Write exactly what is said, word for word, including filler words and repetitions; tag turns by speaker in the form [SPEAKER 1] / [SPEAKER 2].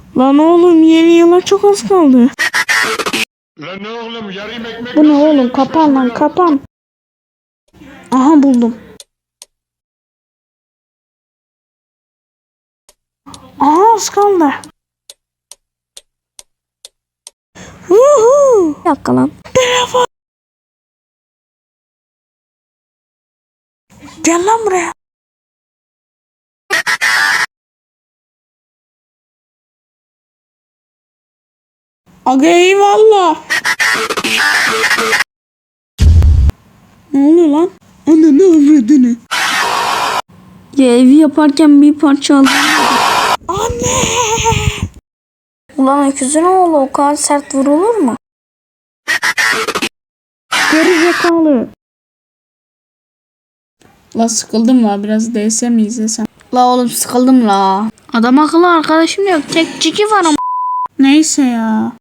[SPEAKER 1] Lan oğlum yeni yıla çok az kaldı.
[SPEAKER 2] Lan ne oğlum yarım ekmek.
[SPEAKER 1] Bu ne oğlum, kapan lan kapan. Aha buldum. Aha az kaldı. Vuhuu. Bir dakika lan. Telefon. Gel lan buraya. Aga eyvallah. Ne oluyor lan? Anne ne avradını? Ya evi yaparken bir parça aldım. Anne. Ulan öküzün oğlu o kadar sert vurulur mu? Geri zekalı. La sıkıldım la, biraz D S mi izlesem? La oğlum sıkıldım la. Adam akıllı arkadaşım yok, tek ciki var ama. Neyse ya.